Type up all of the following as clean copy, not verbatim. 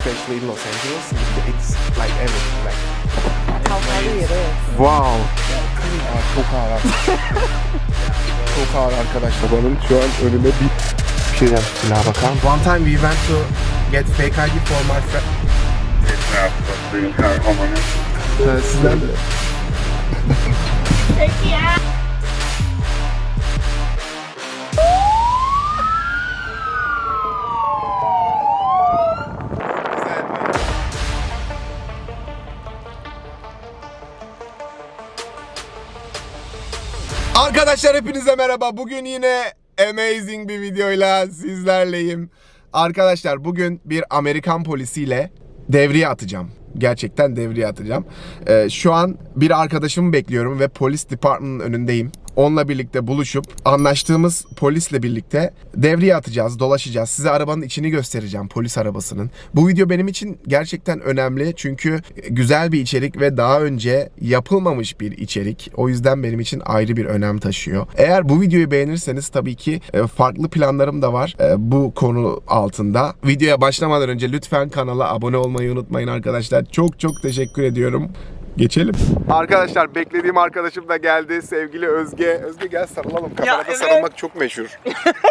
especially in Los Angeles, it's like everything. Like, Kavgalı yeri. wow. Çok ağır. Çok ağır arkadaşlar. Benim şu an önüme bir şey yaptı. Silaha bakar. One time we went to get fake ID for my friend. Sizden de. Peki ya. Arkadaşlar hepinize merhaba. Bugün yine amazing bir videoyla sizlerleyim. Arkadaşlar bugün bir Amerikan polisiyle devriye atacağım. Gerçekten devriye atacağım. Şu an bir arkadaşımı bekliyorum ve polis departmanının önündeyim. Onunla birlikte buluşup anlaştığımız polisle birlikte devriye atacağız, dolaşacağız. Size arabanın içini göstereceğim, polis arabasının. Bu video benim için gerçekten önemli çünkü güzel bir içerik ve daha önce yapılmamış bir içerik. O yüzden benim için ayrı bir önem taşıyor. Eğer bu videoyu beğenirseniz tabii ki farklı planlarım da var bu konu altında. Videoya başlamadan önce lütfen kanala abone olmayı unutmayın arkadaşlar. Çok çok teşekkür ediyorum. Geçelim. Arkadaşlar beklediğim arkadaşım da geldi. Sevgili Özge. Özge gel sarılalım. Kamerada evet. sarılmak çok meşhur.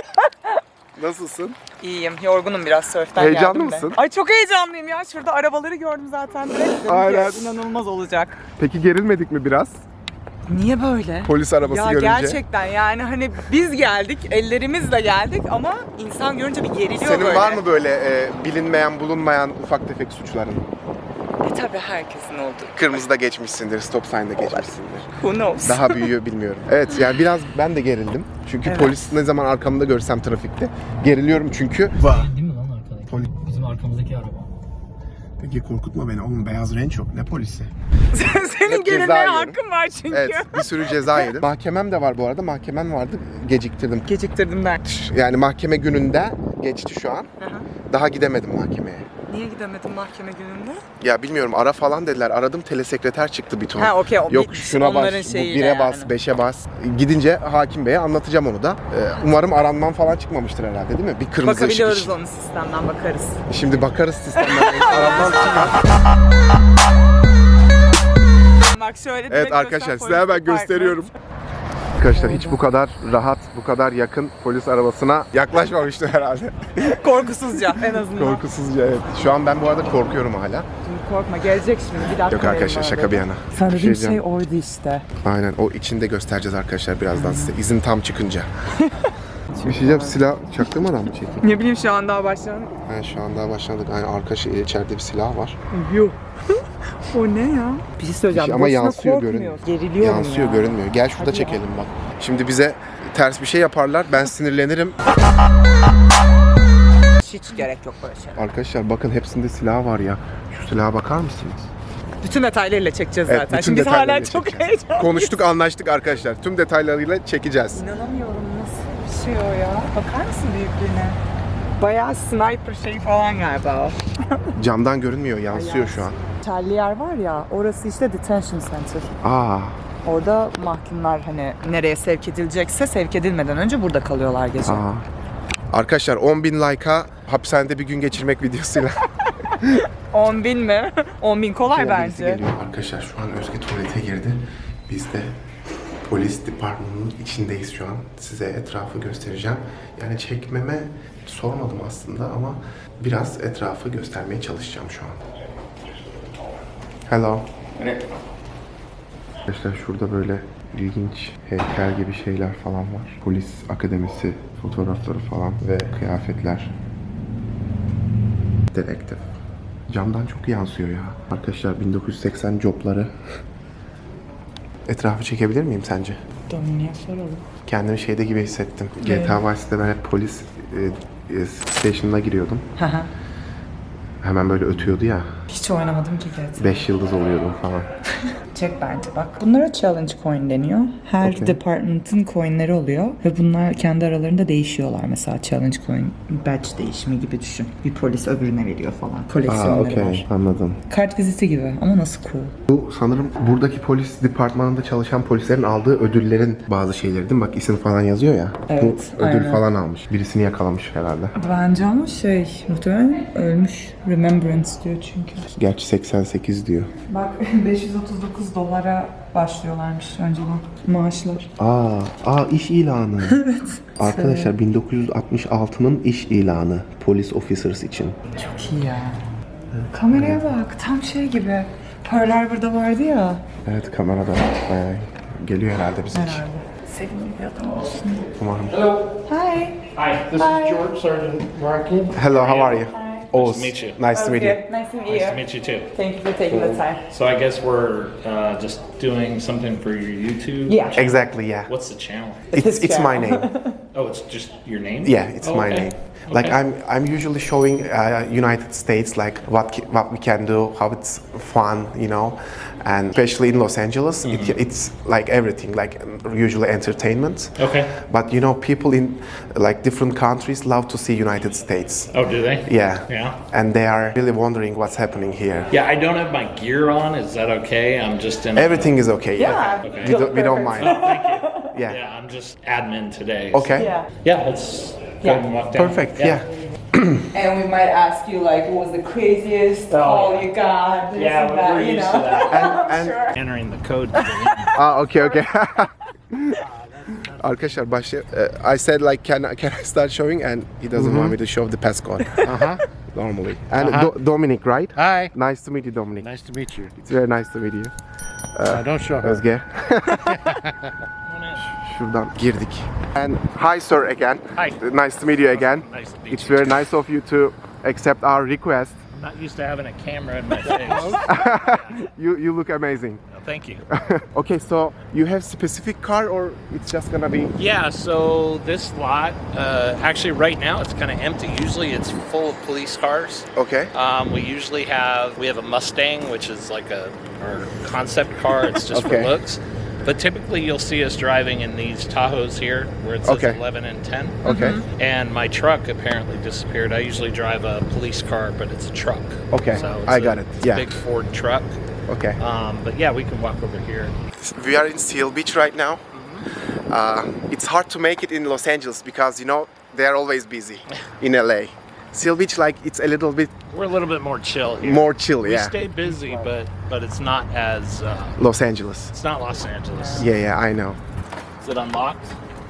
Nasılsın? İyiyim. Yorgunum biraz sörften Heyecanlı geldim de. mısın? Ay çok heyecanlıyım ya. Şurada arabaları gördüm zaten. Direkt dedim Aynen. ki inanılmaz olacak. Peki gerilmedik mi biraz? Niye böyle? Polis arabası Ya görünce. gerçekten yani hani biz geldik, ellerimizle geldik ama insan görünce bir geriliyor Senin böyle. var mı böyle bilinmeyen, bulunmayan ufak tefek suçların? Tabii herkesin olduğu. Kırmızıda geçmişsindir, stop sign'da geçmişsindir. Who knows? Daha büyüyor bilmiyorum. Evet yani biraz ben de gerildim. Çünkü Evet. polis ne zaman arkamda görsem trafikte geriliyorum çünkü. Değil mi lan arkadaki? Poli- Bizim arkamızdaki araba. Peki korkutma beni oğlum, beyaz Range yok, ne polisi? Senin Hep ceza gerilmeye yiyorum. hakkın var çünkü. Evet, bir sürü ceza yedim. Mahkemem de var bu arada, mahkemem vardı, geciktirdim. Geciktirdim der. Yani mahkeme gününde geçti şu an. Hı hı. Daha gidemedim mahkemeye. Niye gidemedin mahkeme gününde? Ya bilmiyorum, ara falan dediler. Aradım, telesekreter çıktı bir ton. Ha okey. Yok şuna bas, onların bu şeyiyle 1'e bas, yani. 5'e bas. Gidince hakim beye anlatacağım onu da. Umarım aranmam falan çıkmamıştır herhalde, değil mi? Bir kırmızı ışık Bakabiliyoruz için. onun sistemden bakarız. Şimdi bakarız sistemden. Aranmam çıkar. Bak şöyle Evet direkt arkadaşlar, göster, size hemen polis gösteriyorum. Arkadaşlar hiç bu kadar rahat, bu kadar yakın polis arabasına yaklaşmamıştım herhalde. departmanı. Korkusuzca en azından. Korkusuzca evet. Şu an ben bu arada korkuyorum hala. Şimdi korkma, gelecek şimdi bir dakika. Yok arkadaşlar, şaka bir yana. Sen dediğin diyeceğim. şey oydu işte. Aynen, o içinde göstereceğiz arkadaşlar birazdan size. İzin tam çıkınca. Bir şey diyeceğim, silah çaktırmadan mı çekeyim? Ne bileyim şu an daha başlayalım. Ha, şu an daha başladık. Yani arka içeride bir silah var. Yuh. O ne ya? Bir şey söyleyeceğim. Ama boşuna yansıyor, korkmuyor. görünmüyor. Geriliyorum Yansıyor, ya. görünmüyor. Gel şurada Hadi ya. çekelim bak. Şimdi bize ters bir şey yaparlar. Ben sinirlenirim. Hiç gerek yok böyle şey. Arkadaşlar bakın, hepsinde silah var ya. Şu silaha bakar mısınız? Bütün detaylarıyla çekeceğiz Evet, zaten. bütün Şimdi biz detaylarıyla hala çok çekeceğiz. heyecanlıyız. Konuştuk, anlaştık arkadaşlar. Tüm detaylarıyla çekeceğiz. İnanamıyorum, nasıl bir şey o ya? Bakar mısın büyüklüğüne? Bayağı sniper şey falan galiba o. Camdan görünmüyor, yansıyor şu an. Charlie yer var ya, orası işte detention center. Aa, Orada mahkumlar hani nereye sevk edilecekse sevk edilmeden önce burada kalıyorlar gece. aa. Arkadaşlar 10.000 like'a hapishanede bir gün geçirmek videosuyla. 10.000 mi? 10.000 kolay Birisi bence. geliyor. Arkadaşlar şu an Özge tuvalete girdi. Biz de polis departmanının içindeyiz şu an. Size etrafı göstereceğim. Yani çekmeme sormadım aslında ama biraz etrafı göstermeye çalışacağım şu an. Hello. Arkadaşlar şurada böyle ilginç heykel gibi şeyler falan var. Polis akademisi fotoğrafları falan ve kıyafetler. Dedektif. Camdan çok yansıyor ya. Arkadaşlar 1980 jobları. Etrafı çekebilir miyim sence? Domini'ye soralım. Kendimi şeyde gibi hissettim. GTA Vice City'de ben hep polis station'ına giriyordum. Hemen böyle ötüyordu ya. Hiç oynamadım ki GTA. 5 yıldız oluyordum falan. Çek bence bak. Bunlara challenge coin deniyor. Her Okay. department'ın coinleri oluyor ve bunlar kendi aralarında değişiyorlar. Mesela challenge coin badge değişimi gibi düşün. Bir polis öbürüne veriyor falan. Koleksiyonları Okey, var. anladım. Kart viziti gibi ama nasıl cool. Bu sanırım buradaki polis departmanında çalışan polislerin aldığı ödüllerin bazı şeyleri değil mi? Bak isim falan yazıyor ya. Evet, Bu ödül aynen. falan almış. Birisini yakalamış herhalde. Bence ama muhtemelen ölmüş Remembrance diyor çünkü. Gerçi 88 diyor. Bak $539 başlıyorlarmış önceden maaşlar. İş ilanı. Evet. Arkadaşlar 1966'nın iş ilanı police officers için. Çok iyi ya. Kameraya bak tam şey gibi. Pearl Harbor'da vardı ya. Evet kamerada bayağı geliyor herhalde bize. Herhalde. Sevimli bir adam olsun. Umarım. Hi. Hi, this is George Sergeant Markin. Hello, how are you? Nice to meet you. Nice to meet you. Nice to meet Nice you. to meet you too. Thank you for taking the time. So I guess we're just doing something for your YouTube. Yeah. Exactly, yeah. What's the channel? It's my name. Oh, it's just your name. Yeah, it's my okay. name. Like Okay. I'm usually showing United States like what we can do, how it's fun, you know, and especially in Los Angeles, it's like everything, like usually entertainment. Okay. But you know, people in like different countries love to see United States. Oh, do they? Yeah. Yeah. And they are really wondering what's happening here. Yeah, I don't have my gear on. Is that okay? I'm just in. Everything is okay. Yeah. Okay. We don't mind. Thank you. Yeah. Yeah, I'm just admin today. Okay. Yeah. Yeah, let's go and walk down. Perfect. Yeah. And we might ask you like, what was the craziest call you got? This Yeah, and that, we're you used know. to that. And Entering the code. okay. Arkadaşlar I said like can I start showing and he doesn't want me to show the passcode. Normally. And Dominic, right? Hi. Nice to meet you, Dominic. Nice to meet you. It's very nice to meet you. Don't show her. Özge. Şuradan girdik. And hi sir again. Hi. Nice to meet you again. Nice to meet It's you. very nice of you to accept our request. I'm not used to having a camera in my face. You look amazing. No, thank you. Okay, so you have specific car or it's just gonna be Yeah, so this lot, actually right now it's kind of empty. Usually it's full of police cars. okay? We usually we have a Mustang, which is like our concept car. It's just Okay. for looks. But typically you'll see us driving in these Tahoes here where it says Okay. 11 and 10. Okay. And my truck apparently disappeared. I usually drive a police car, but it's a truck. Okay, So I got it. It's a Yeah. big Ford truck. Okay. But yeah, we can walk over here. We are in Seal Beach right now. It's hard to make it in Los Angeles because you know they are always busy in LA. Seal Beach, like it's a little bit We're a little bit more chill here. more chill, We yeah. stay busy, but it's not as Los Angeles. it's not Los Angeles. Yeah, I know. Is it unlocked?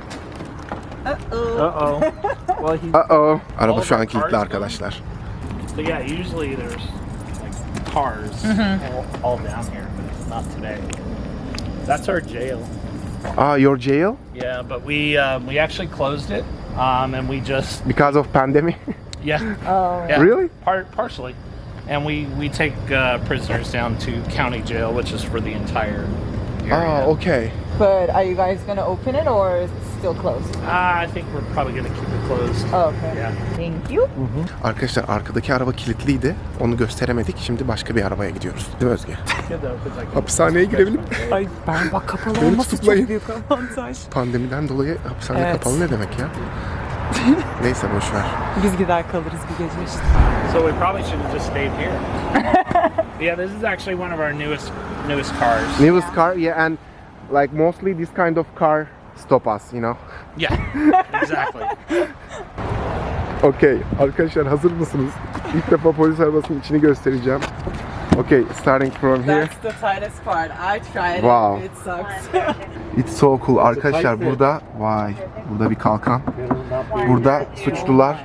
Uh-oh. Well, he, Uh-oh. Araba All şu an of our kilitli cars arkadaşlar. but yeah, usually there's like cars all down here, but not today. That's our jail. Your jail? Yeah, but we actually closed it, and we just Because of pandemic? yeah. Oh, Yeah, Really? Partially, and we take prisoners down to county jail, which is for the entire area. Okay. But are you guys gonna open it or is it still closed? I think we're probably gonna keep it closed. Oh, okay. Yeah. Thank you. Arkadaşlar arkadaki araba kilitliydi. Onu gösteremedik. Şimdi başka bir arabaya gidiyoruz. Değil mi Özge? Good though, 'cause I can- Hapishaneye girelim. Ay ben bak kapalı Beni olması tutuklayın. çok büyük avantaj. Pandemiden dolayı hapishane Evet. kapalı ne demek ya? Neyse boş ver. Biz gider kalırız bir gece işte. So we probably should have just stayed here. Yeah, this is actually one of our newest cars. Newest car, yeah, and like mostly this kind of car stop us, you know. Yeah, exactly. Okay, arkadaşlar hazır mısınız? İlk defa polis arabasının içini göstereceğim. Okay, starting from here. That's the tightest part. I tried Wow. it. It sucks. It's so cool. Arkadaşlar burada, vay, burada bir kalkan. Burada suçlular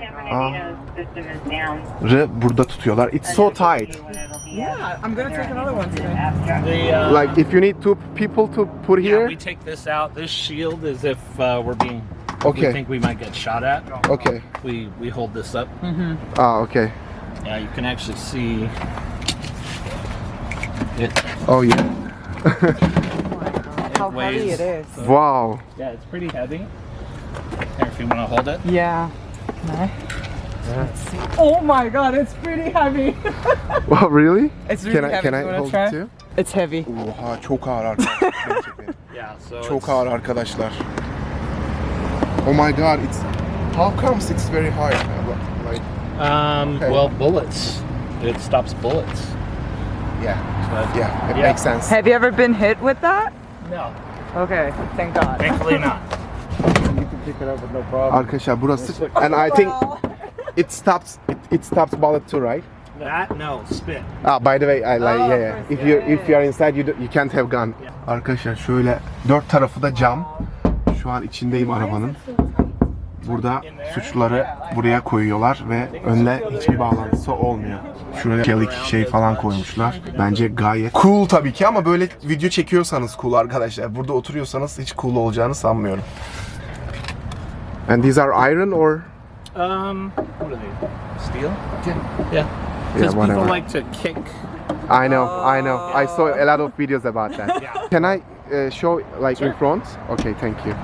burada tutuyorlar. It's so tight. Yeah, I'm gonna take another one today. The, Like if you need two people to put yeah, here. we take this out. This shield is if we're being. Okay. We think we might get shot at. Okay. We hold this up. Okay. Yeah, you can actually see it. Oh yeah. How heavy weighs- it is. Wow. Yeah, it's pretty heavy. Here, if you want to hold it. Yeah. Can I? Let's see. Oh my god, it's pretty heavy. Wow, really? It's really heavy. Can You I wanna hold try? it too? It's heavy. Oha çok ağır arkadaşlar. Gerçekten. Yeah, so Çok it's- ağır arkadaşlar. Oh my god, it's how comes it's very hard? Like Okay. Well, bullets. It stops bullets. yeah, But yeah, it Yeah. makes sense. Have you ever been hit with that? no, Okay, thank God. thankfully not. You can pick it up with no problem. Arkadaşlar burası and I think it stops bullet too, right? That no spit. Ah, by the way, I like yeah. If you are inside, you can't have gun. Arkadaşlar şöyle dört tarafı da cam. Şu an içindeyim arabanın. Burada suçluları buraya koyuyorlar ve önle hiçbir bağlantısı olmuyor. Şuraya çelik şey falan koymuşlar. Bence gayet cool tabii ki ama böyle video çekiyorsanız cool arkadaşlar. Burada oturuyorsanız hiç cool olacağını sanmıyorum. And these are iron or? What are they? Steel? Yeah. Yeah, Because whatever. people like to kick. I know. I saw a lot of videos about that. Yeah. Can I show like in front? Okay, thank you.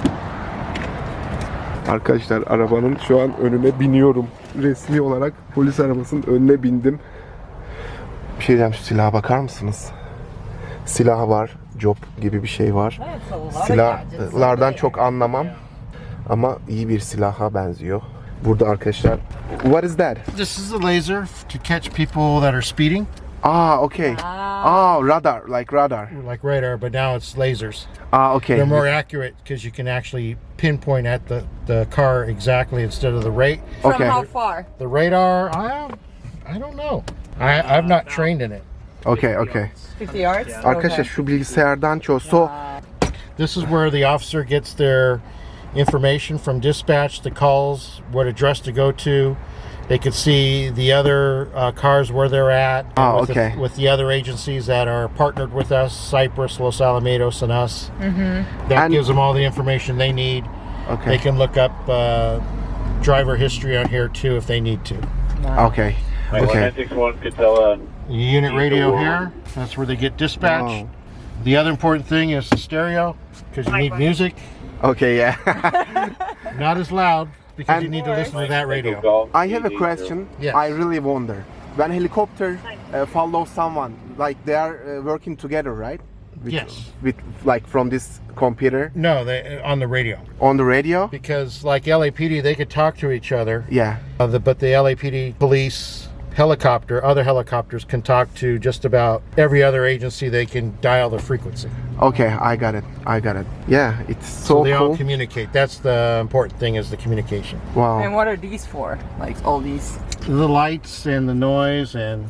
Arkadaşlar arabanın şu an önüne biniyorum. Resmi olarak polis arabasının önüne bindim. Bir şey diyeceğim, şu silaha bakar mısınız? Silah var, job gibi bir şey var. Silahlardan çok anlamam ama iyi bir silaha benziyor. Burada arkadaşlar, what is that? This is a laser to catch people that are speeding, Ah, okay. Ah, radar, like radar. like radar, but now it's lasers. Ah, okay. They're more accurate because you can actually pinpoint at the car exactly instead of the rate. Okay. far? The radar, I don't know. I've not trained in it. Okay. 50 yards? Arkadaşlar şu bilgisayardan çoğu This is where the officer gets their information from dispatch, the calls, what address to go to. They could see the other cars where they're at Oh, with, okay. with the other agencies that are partnered with us, Cypress, Los Alamitos, and us. That And- gives them all the information they need. Okay. They can look up driver history on here too if they need to. Okay. Okay. 961 could tell Unit radio here, that's where they get dispatch. Wow. The other important thing is the stereo because you need music. Okay, yeah. Not as loud because And- you need to listen to that radio. I have a question. Yes. I really wonder. When helicopter follow someone, like they are working together, right? Yes. With like from this computer No, they on the radio on the radio. because like LAPD, they could talk to each other. Yeah. But the LAPD police helicopter, other helicopters can talk to just about every other agency. They can dial the frequency. Okay, I got it. Yeah, it's so They all cool. communicate. That's the important thing is the communication. Wow. And what are these for? Like all these? The lights and the noise and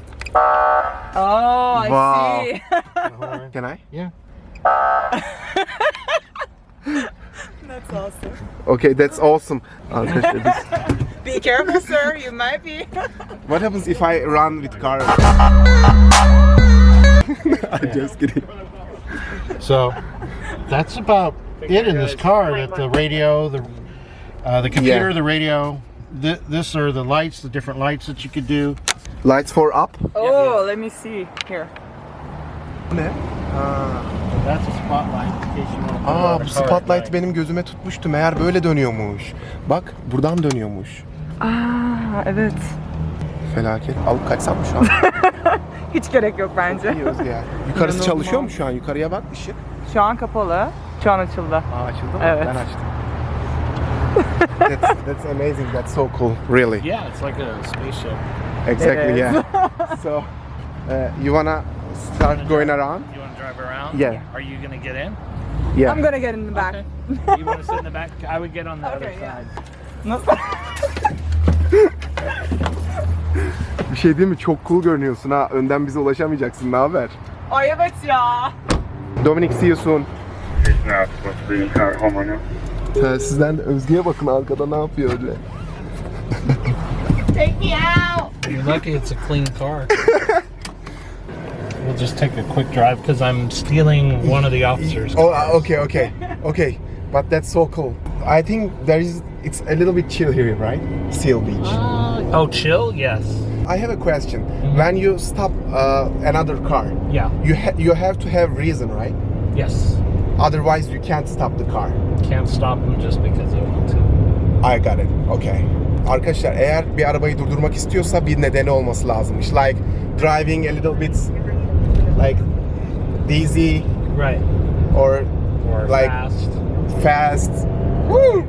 Oh, I Wow. see. the horn. Can I? Yeah. That's awesome. Okay, that's awesome. Arkadaşlar biz- Be careful, sir. You might be. What happens if I run with car? I'm just kidding. So that's about it in this car. That the radio, the computer, Yeah. the radio. This are the lights, the different lights that you could do. Lights for up. Oh, let me see. Here. Ne? That's a spotlight in case you want to put it Aa, on bu the car at spotlight night. benim gözüme tutmuştu. Meğer böyle dönüyormuş. Bak, buradan dönüyormuş. Aa, evet. Felaket. Alıp kaçsam mı şu an? Hiç gerek yok bence. İyi Özge ya. Yukarısı çalışıyor mu şu an? Yukarıya bak ışık. Şu an kapalı. Şu an açıldı. Aa, açıldı mı? Evet. Ben açtım. That's amazing. That's so cool. Really. Yeah, it's like a spaceship. Exactly. It is. Yeah. So, you wanna start going around? You want to drive around? Yeah. Are you gonna get in? Yeah. I'm gonna get in the back. You want to sit in the back? I would get on the other Okay, yeah. side. Bir şey değil mi? Çok cool görünüyorsun ha. Önden bize ulaşamayacaksın. Ne haber? Ay evet ya. Dominic, see you soon. home right now. Telsizden de Özge'ye bakın arkada ne yapıyor öyle. Take me out. You're lucky it's a clean car. We'll just take a quick drive because I'm stealing one of the officers. Oh, okay. But that's so cool. I think it's a little bit chill here, right? Seal Beach. Oh, chill? Yes. I have a question. When you stop another car, Yeah. you have to have reason, right? Yes. Otherwise, you can't stop the car. Can't stop them just because I want to. I got it. Okay. Arkadaşlar eğer bir arabayı durdurmak istiyorsa bir nedeni olması lazımmış. Like driving a little bit like dizzy Right. or Or Like- fast. Woo!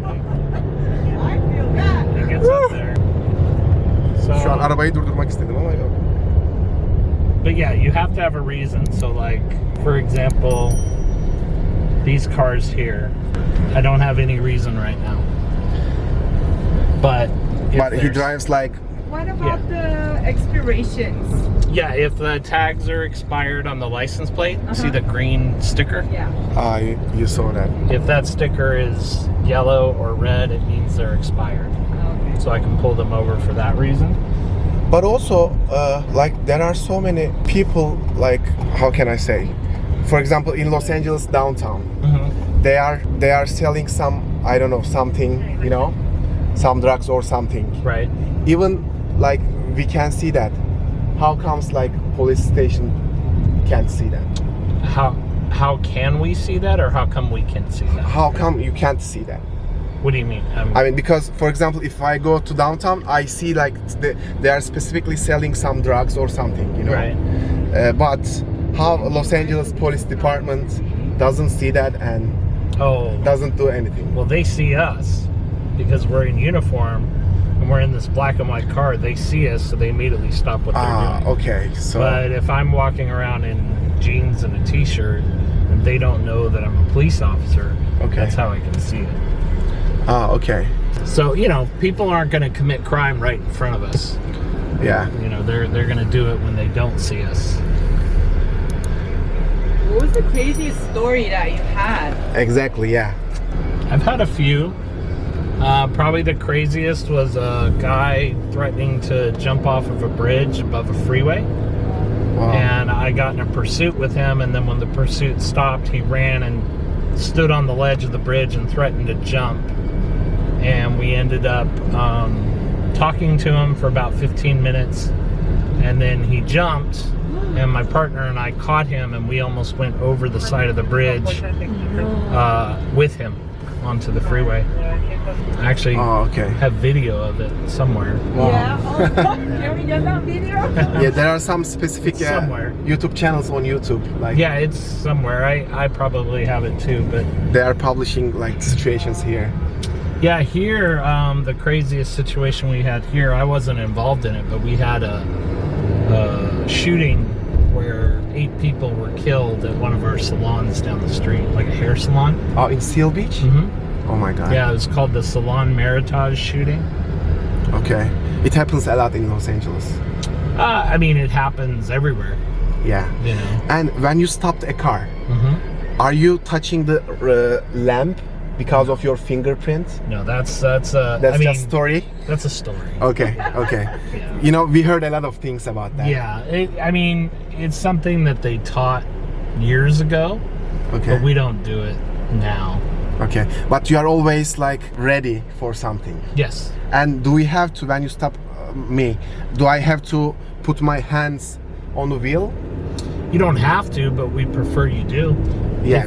It gets up there. So, Şu an arabayı durdurmak istedim ama yok. but yeah, you have to have a reason. So, like, for example, these cars here, I don't have any reason right now. But if But he there's- drives like what about the expirations? Yeah, if the tags are expired on the license plate, see the green sticker? Yeah. You saw that. If that sticker is yellow or red, it means they're expired. Okay. So I can pull them over for that reason. But also, like there are so many people. Like, how can I say? For example, in Los Angeles downtown, they are selling some, I don't know, something, you know, some drugs or something. Right. Even like we can see that. How comes like police station can't see that? How can we see that, or how come we can see that? How come you can't see that? What do you mean? I mean, because for example, if I go to downtown, I see like they are specifically selling some drugs or something, you know. Right. But how Los Angeles Police Department doesn't see that and doesn't do anything? Well, they see us because we're in uniform and we're in this black and white car. They see us, so they immediately stop what they're doing. Okay. So. But if I'm walking around in jeans and a t-shirt and they don't know that I'm a police officer, that's how I can see it. Okay. So, you know, people aren't going to commit crime right in front of us. Yeah. You know, they're going to do it when they don't see us. What was the craziest story that you had? Exactly. Yeah. I've had a few. Probably the craziest was a guy threatening to jump off of a bridge above a freeway. Wow. And I got in a pursuit with him, and then when the pursuit stopped, he ran and stood on the ledge of the bridge and threatened to jump. And we ended up talking to him for about 15 minutes, and then he jumped, and my partner and I caught him, and we almost went over the side of the bridge with him onto the freeway. I actually have video of it somewhere. Yeah. Can we get that video? Yeah, there are some specific Somewhere. YouTube channels on YouTube. Like Yeah, it's somewhere. I probably have it too, but they are publishing like situations here. yeah, here the craziest situation we had here, I wasn't involved in it, but we had a shooting where 8 people were killed at one of our salons down the street, like a hair salon. Oh, in Seal Beach? Mm-hmm. Oh my God. Yeah, it was called the Salon Meritage shooting. Okay. It happens a lot in Los Angeles. I mean, it happens everywhere, Yeah. you know. And when you stopped a car, Mm-hmm. are you touching the lamp because of your fingerprint? No, that's That's I mean, just story. that's a story. Okay. Okay. You know, we heard a lot of things about that. Yeah, I mean, it's something that they taught years ago, Okay. but we don't do it now. Okay. But you are always like ready for something. Yes. And do we have to, when you stop me, do I have to put my hands on the wheel? You don't have to, but we prefer you do. Yeah.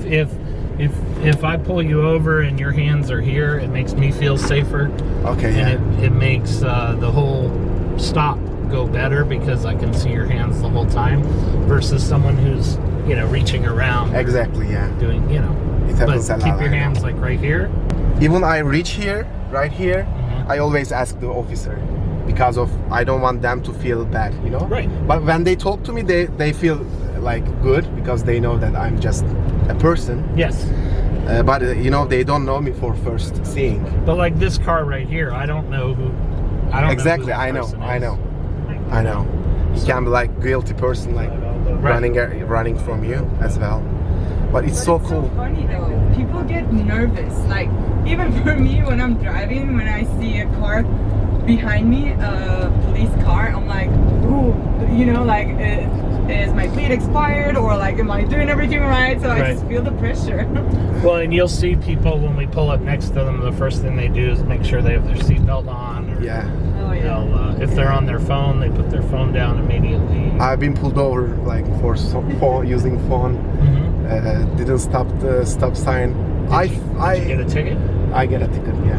If I pull you over and your hands are here, it makes me feel safer. Okay. Yeah. And it makes the whole stop go better because I can see your hands the whole time versus someone who's, you know, reaching around. Exactly. Yeah. Doing, you know. It happens But a lot. keep your I know. hands like right here. Even I reach here, right here, Mhm. I always ask the officer because of I don't want them to feel bad, you know. Right. But when they talk to me, they feel like good because they know that I'm just a person. Yes. But you know, they don't know me for first seeing. But like this car right here, I don't know who. I don't Exactly. know who I the know. person I is. know. I know. You can be like guilty person, like running from you as well. But it's so cool. So funny though. People get nervous. Like even for me, when I'm driving, when I see a car behind me, a police car, I'm like, ooh, you know, like is my plate expired or like am I doing everything right? So I Right. just feel the pressure. Well, and you'll see people when we pull up next to them, the first thing they do is make sure they have their seatbelt on. Or Yeah. Oh yeah. they'll, if they're on their phone, they put their phone down immediately. I've been pulled over like for using phone. Mhm. Didn't stop the stop sign. Did you get a ticket? I get a ticket, yeah.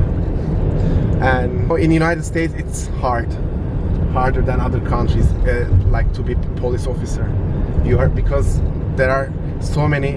And in the United States, it's harder than other countries, like to be police officer. You are because there are so many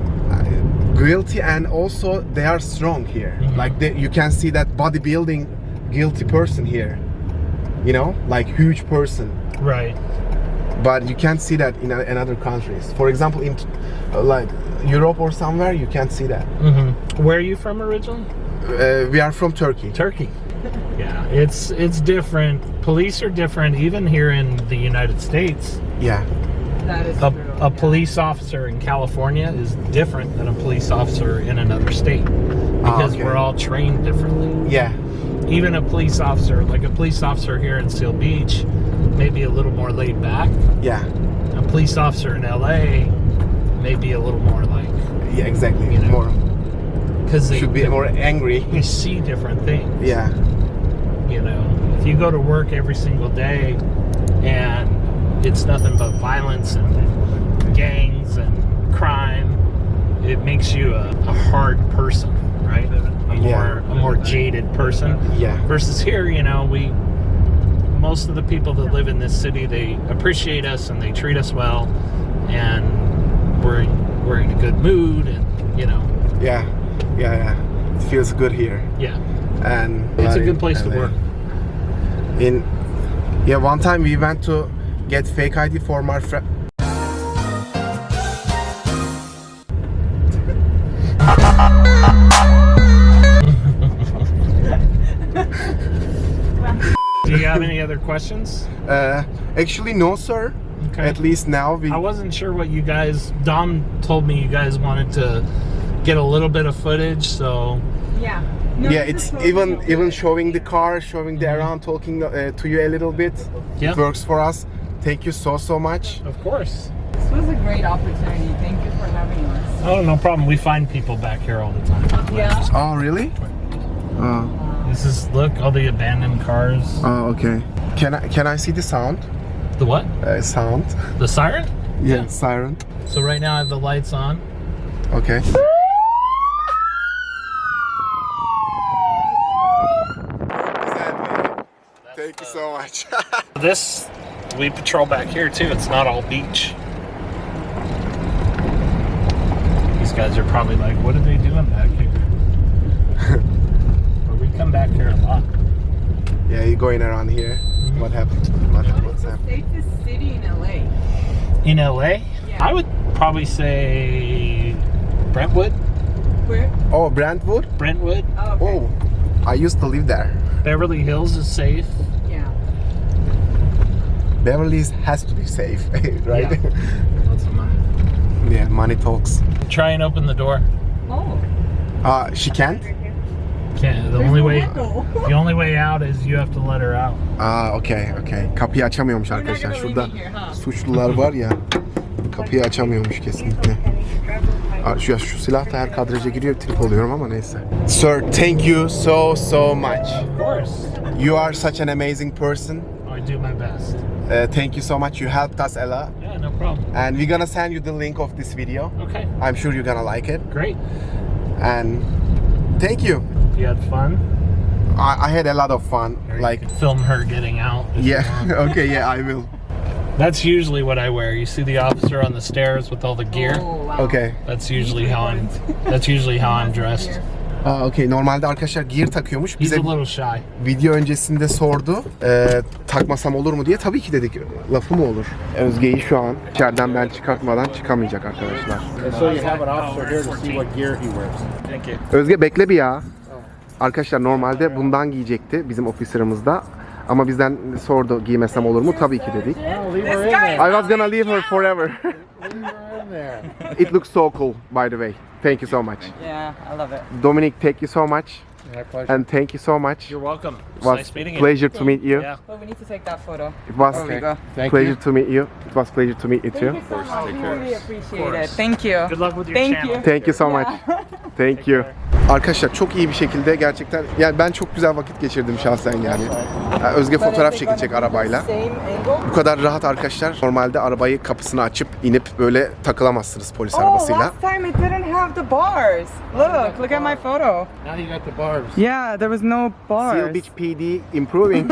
guilty, and also they are strong here. Mhm. Like you can see that bodybuilding guilty person here. You know, like huge person. Right. But you can't see that in other countries. For example, in like Europe or somewhere, you can't see that. Mm-hmm. Where are you from originally? We are from Turkey. Turkey. Yeah, it's different. Police are different, even here in the United States. Yeah. That is A true. police officer in California is different than a police officer in another state because okay. we're all trained differently. Yeah. Even a police officer, like a police officer here in Seal Beach, may be a little more laid back. Yeah. A police officer in LA may be a little more like, Yeah, exactly. You know, more because they should be more angry. you see different things. Yeah. You know, if you go to work every single day and it's nothing but violence and gangs and crime, it makes you a hard person, right? A more jaded person. Yeah. Versus here, you know, most of the people that live in this city, they appreciate us and they treat us well, and we're in a good mood, and you know. Yeah. Yeah. Yeah. It feels good here. Yeah. And It's a good place to and, work. One time we went to get fake ID for my friend. Do you have any other questions? Actually, no, sir. Okay. At least now we. I wasn't sure what you guys. Dom told me you guys wanted to get a little bit of footage, so Yeah. No, Yeah, this it's is totally okay. even showing the car, showing the around, talking to you a little bit. Yeah. It works for us. Thank you so much. of course. This was a great opportunity. Thank you for having us. Oh, no problem. We find people back here all the time. Yeah. Oh, really? Oh, This is look all the abandoned cars. okay. Can I see the sound? The what? Sound. The siren? Yeah, siren. So right now I have the lights on. Okay. Thank you so much. This we patrol back here too. It's not all beach. These guys are probably like, what are they doing back here? But we come back here a lot. Yeah, you're going around here. What happened? What's happened? Safest city in LA. In LA, Yeah. I would probably say Brentwood. Where? Oh, Brentwood? Brentwood. Oh, okay. Oh, I used to live there. Beverly Hills is safe. Yeah. Beverly has to be safe, right? Yeah. Lots of money. Yeah, money talks. Try and open the door. Oh. She can't? Can't. The There's only no way. window. The only way out is you have to let her out. Okay. Kapıyı açamıyormuş You're not arkadaşlar. gonna leave Şurada me here, huh? suçlular var ya. Kapıyı açamıyormuş kesinlikle. Şu silah da her kadraja giriyor, trip oluyorum ama neyse. Sir, thank you so much. Of course. You are such an amazing person. I do my best. Thank you so much. You helped us a lot. Yeah, no problem. And we're gonna send you the link of this video. Okay, I'm sure you're gonna like it. great. And thank you. You had fun. I had a lot of fun. Or you Like, could film her getting out. if you yeah, want. okay, yeah, I will. That's usually what I wear. You see the officer on the stairs with all the gear. Oh, wow. Okay. That's usually how I'm. That's usually how I'm dressed. Okay. Normalde arkadaşlar gear takıyormuş. He's Bize a little shy. video öncesinde sordu. Takmasam olur mu diye. Tabii ki dedik. Lafı mı olur? Özge'yi şu an içeriden ben çıkartmadan çıkamayacak arkadaşlar. And so you have an officer here to see what gear he wears. Thank you. Özge bekle bir ya. Arkadaşlar normalde bundan giyecekti bizim ofislerimizde. Ama bizden sordu giymesem olur mu? Tabii ki dedik. Oh, leave her in there. I was gonna leave her forever. Leave her in there. It looks so cool, by the way. Thank you so much. Yeah, I love it. Dominic, thank you so much. My pleasure. And thank you so much. You're welcome. It It's was nice meeting you. pleasure to meet you. Yeah. Oh, we need to take that photo. It was There we go. Thank pleasure you. to meet you. It was pleasure to meet you too. Thank you so much. We really appreciate it. course. Thank you. Good luck with your Thank channel. you. Thank you so much. Thank you. Arkadaşlar çok iyi bir şekilde gerçekten yani ben çok güzel vakit geçirdim şahsen yani. Özge fotoğraf çekecek arabayla. Same angle. Bu kadar rahat arkadaşlar. Normalde arabayı kapısını açıp inip böyle takılamazsınız polis Oh, arabasıyla. last time it didn't have the bars. Look at my photo. Now you got the barbs. Yeah, there was no bars. Seal Beach PD improving.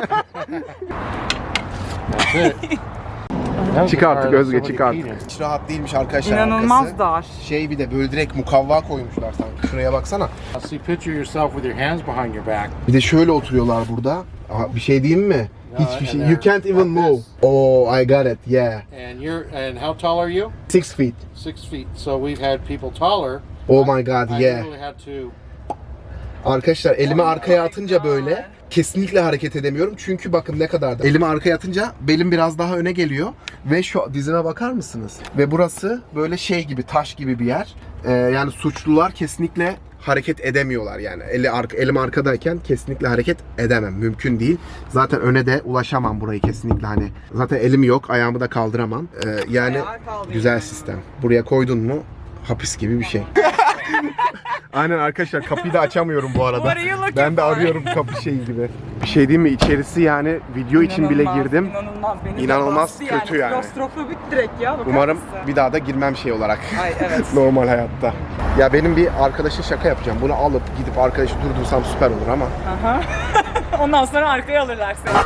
That's it. That was Çık the artık car that Özge, somebody çık artık. peed in. Hiç rahat değilmiş arkadaşlar İnanılmaz arkası. dar. Şey bir de böyle direkt mukavva koymuşlar sanki. Şuraya baksana. I'll see picture yourself with your hands behind your back. Bir de şöyle oturuyorlar burada. Aha, bir şey diyeyim mi? Hiçbir şey. and You can't even like move. this. Oh, I got it. Yeah. And how tall are you? 6 feet. 6 feet. So we've had people taller. Oh my God. I Yeah. literally had to Arkadaşlar elimi arkaya atınca böyle kesinlikle hareket edemiyorum. Çünkü bakın ne kadar da. Elimi arkaya atınca belim biraz daha öne geliyor. Ve şu dizime bakar mısınız? Ve burası böyle şey gibi, taş gibi bir yer. Yani suçlular kesinlikle hareket edemiyorlar yani. Elim arkadayken kesinlikle hareket edemem. Mümkün değil. Zaten öne de ulaşamam burayı kesinlikle hani. Zaten elim yok, ayağımı da kaldıramam. Yani güzel sistem. Buraya koydun mu hapis gibi bir şey. Aynen arkadaşlar, kapıyı da açamıyorum bu arada. What are you looking Ben de for? arıyorum kapı şeyi gibi. Bir şey diyeyim mi? İçerisi yani video için bile girdim. İnanılmaz. Beni de İnanılmaz bastı kötü yani. Klostrofobik direkt ya. Bakar Umarım mısın? bir daha da girmem şey olarak. Ay evet. Normal hayatta. Ya benim bir arkadaşa şaka yapacağım. Bunu alıp gidip arkadaşı durdursam süper olur ama. Aha. Ondan sonra arkaya alırlar seni.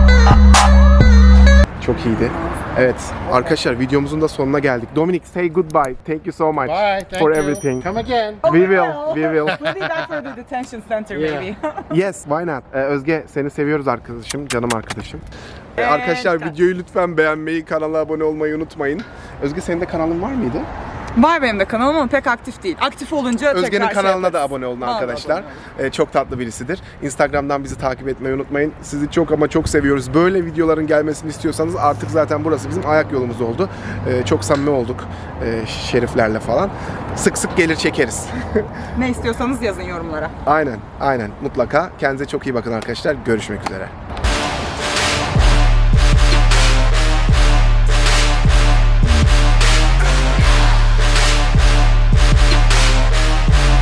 Çok iyiydi. Evet arkadaşlar, videomuzun da sonuna geldik. Dominic, say goodbye. Thank you so much Bye. Thank for you. everything. Come again. We will. We'll be back for the detention center Yeah. maybe. Yes, why not? Özge, seni seviyoruz arkadaşım, canım arkadaşım. Evet. Arkadaşlar videoyu lütfen beğenmeyi, kanala abone olmayı unutmayın. Özge, senin de kanalın var mıydı? Var benim de kanalım ama pek aktif değil. Aktif olunca Özge'nin tekrar kanalına şey da yaparız. abone olun Vallahi arkadaşlar. abone olun. Çok tatlı birisidir. Instagram'dan bizi takip etmeyi unutmayın. Sizi çok ama çok seviyoruz. Böyle videoların gelmesini istiyorsanız artık zaten burası bizim ayak yolumuz oldu. Çok samimi olduk şeriflerle falan. Sık sık gelir çekeriz. Ne istiyorsanız yazın yorumlara. Aynen, aynen. Mutlaka. Kendinize çok iyi bakın arkadaşlar. Görüşmek üzere.